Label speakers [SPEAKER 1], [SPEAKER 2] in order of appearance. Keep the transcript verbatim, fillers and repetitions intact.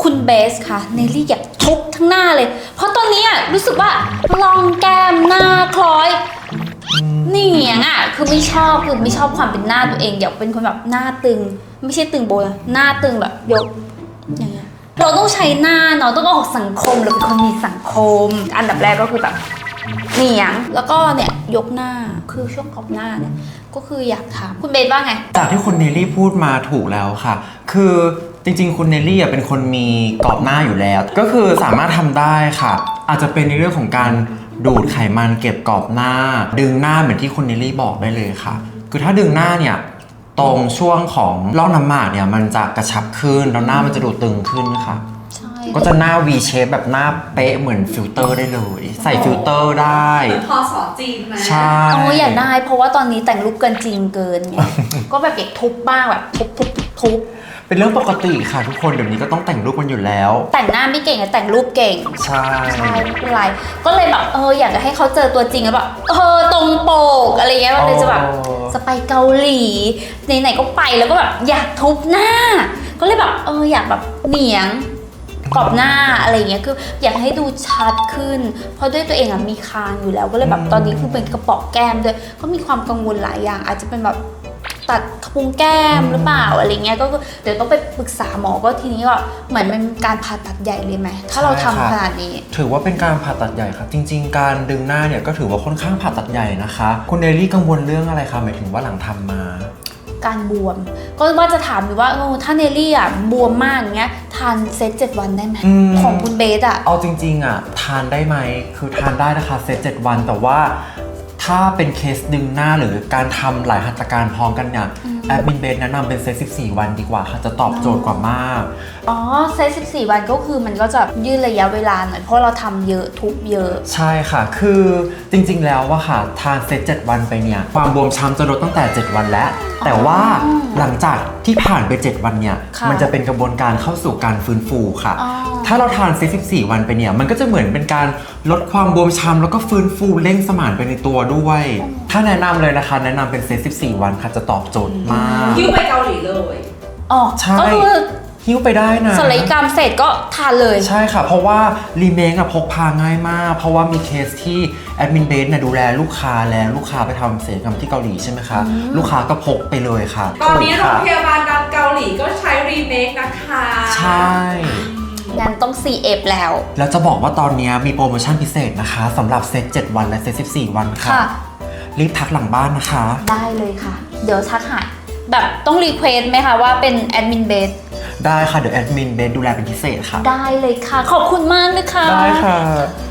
[SPEAKER 1] คุณเบสค่ะเนลลี่อยากทุบทั้งหน้าเลยเพราะตอนนี้อ่ะรู้สึกว่าลองแก้มหน้าคล้อยนี่อย่างอ่ะคือไม่ชอบคือไม่ชอบความเป็นหน้าตัวเองอยากเป็นคนแบบหน้าตึงไม่ใช่ตึงโบนะหน้าตึงแบบยกอย่างเงี้ยเราต้องใช้หน้าเนาะต้องออกสังคมเราเป็นคนมีสังคมอันดับแรกก็คือแบบเหนียงแล้วก็เนี่ยยกหน้าคือช่วงขอบหน้าเนี่ยก็คืออยากถามคุณเบสว่าไง
[SPEAKER 2] จากที่คุณเนลลี่พูดมาถูกแล้วค่ะคือจริงๆคุณเนลลี่เป็นคนมีกรอบหน้าอยู่แล้วก็คือสามารถทำได้ค่ะอาจจะเป็นในเรื่องของการดูดไขมันเก็บกรอบหน้าดึงหน้าเหมือนที่คุณเนลลี่บอกได้เลยค่ะคือถ้าดึงหน้าเนี่ยตรงช่วงของร่องน้ำหมากเนี่ยมันจะกระชับขึ้นแล้วหน้ามันจะดูตึงขึ้นค่ะก็จะหน้า V shape แบบหน้าเป๊ะเหมือนฟิลเตอร์ได้เลยใส่ฟิลเตอร์ได้
[SPEAKER 3] พอสอจีนไหม
[SPEAKER 2] ใช่
[SPEAKER 1] โอ้อยากได้เพราะว่าตอนนี้แต่งรูปเกินจริงเกินไง ก็แบบอยากทุบบ้างแบบทุบทุบทุบ
[SPEAKER 2] เป็นเรื่องปกติค่ะทุกคนเดี๋ยวนี้ก็ต้องแต่งรูปกันอยู่แล้ว
[SPEAKER 1] แต่งหน้าไม่เก่งแต่แต่งรูปเก่ง
[SPEAKER 2] ใช่
[SPEAKER 1] ใช่ไม่เป็นไรก็เลยแบบเอออยากจะให้เขาเจอตัวจริงแล้วแบบเออตรงปกอะไรเงี้ยมันเลยจะแบบจะไปเกาหลีไหนๆก็ไปแล้วก็แบบอยากทุบหน้าก็เลยแบบเอออยากแบบเหนียงกรอบหน้าอะไรเงี้ยคืออยากให้ดูชัดขึ้นเพราะด้วยตัวเองอะมีคางอยู่แล้วก็เลยแบบตอนนี้คือเป็นกระป๋องแก้มด้วยก็มีความกังวลหลายอย่างอาจจะเป็นแบบตัดกระพุ้งแก้มหรือเปล่าอะไรเงี้ยก็เดี๋ยวต้องไปปรึกษาหมอก็ทีนี้ก็เหมือนเป็นการผ่าตัดใหญ่เลยไหมถ้าเราทำขนาดนี้
[SPEAKER 2] ถือว่าเป็นการผ่าตัดใหญ่ครับจริงๆการดึงหน้าเนี่ยก็ถือว่าค่อนข้างผ่าตัดใหญ่นะคะคุณเนลลี่กังวลเรื่องอะไรคะหมายถึงว่าหลังทำมา
[SPEAKER 1] การบวมก็ว่าจะถามอยู่ว่าถ้าเนลลี่อ่ะบวมมากอย่างเงี้ยทานเซตเจ็ดวันได้ไหมของคุณเบสอ่ะ
[SPEAKER 2] เอาจริงๆอ่ะทานได้ไหมคือทานได้นะคะเซตเจ็ดวันแต่ว่าถ้าเป็นเคสดึงหน้าหรือการทำหลายหัตถการพร้อมกันเนี่ยแอดมินเบสแนะนำเป็นเซตสิบสี่วันดีกว่าค่ะจะตอบโจทย์กว่ามาก
[SPEAKER 1] อ๋อเซตสิบสี่วันก็คือมันก็จะยืดระยะเวลาหน่อยเพราะเราทำเยอะทุบเยอะ
[SPEAKER 2] ใช่ค่ะคือจริงๆแล้วว่าค่ะทานเซตเจ็ดวันไปเนี่ยความบวมช้ำจะลดตั้งแต่เจ็ดวันแล้วแต่ว่าหลังจากที่ผ่านไปเจ็ดวันเนี่ยมันจะเป็นกระบวนการเข้าสู่การฟื้นฟูค่ะถ้าเราทานเซตสิบสี่วันไปเนี่ยมันก็จะเหมือนเป็นการลดความบวมช้ำแล้วก็ฟื้นฟูเร่งสมานไปในตัวด้วยถ้าแนะนำเลยนะคะแนะนำเป็นเซตสิบสี่วันค่ะจะตอบโจทย์มาก
[SPEAKER 3] หิ้วไปเกาหลีเลย
[SPEAKER 1] อ๋อ
[SPEAKER 2] ใช่ก็คือหิ้วไปได้นะ
[SPEAKER 1] ศัลยกรรมเสร็จก็ทานเลย
[SPEAKER 2] ใช่ค่ะเพราะว่ารีเมคอะพกพาง่ายมากเพราะว่ามีเคสที่แอดมินเบสเนี่ยดูแลลูกค้าแล้วลูกค้าไปทำศัลยกรรมที่เกาหลีใช่ไหมคะลูกค้าก็พกไปเลยค่ะ
[SPEAKER 3] ตอนนี้โรงพยาบาลดังเกาหลีก็ใช้รีเมคนะคะ
[SPEAKER 2] ใช่
[SPEAKER 1] งั้นต้อง ซี เอฟ แล้ว
[SPEAKER 2] แล้วจะบอกว่าตอนนี้มีโปรโมชั่นพิเศษนะคะสำหรับเซตเจ็ดวันและเซตสิบสี่วันค่ะรีบทักหลังบ้านนะคะ
[SPEAKER 1] ได้เลยค่ะเดี๋ยวทักหาแบบต้องรีเควสไหมคะว่าเป็นแอดมินเบส
[SPEAKER 2] ได้ค่ะเดี๋ยวแอดมินเบสดูแลเป็นพิเศษค่ะ
[SPEAKER 1] ได้เลยค่ะขอบคุณมากเลยค่ะ
[SPEAKER 2] ได้ค่ะ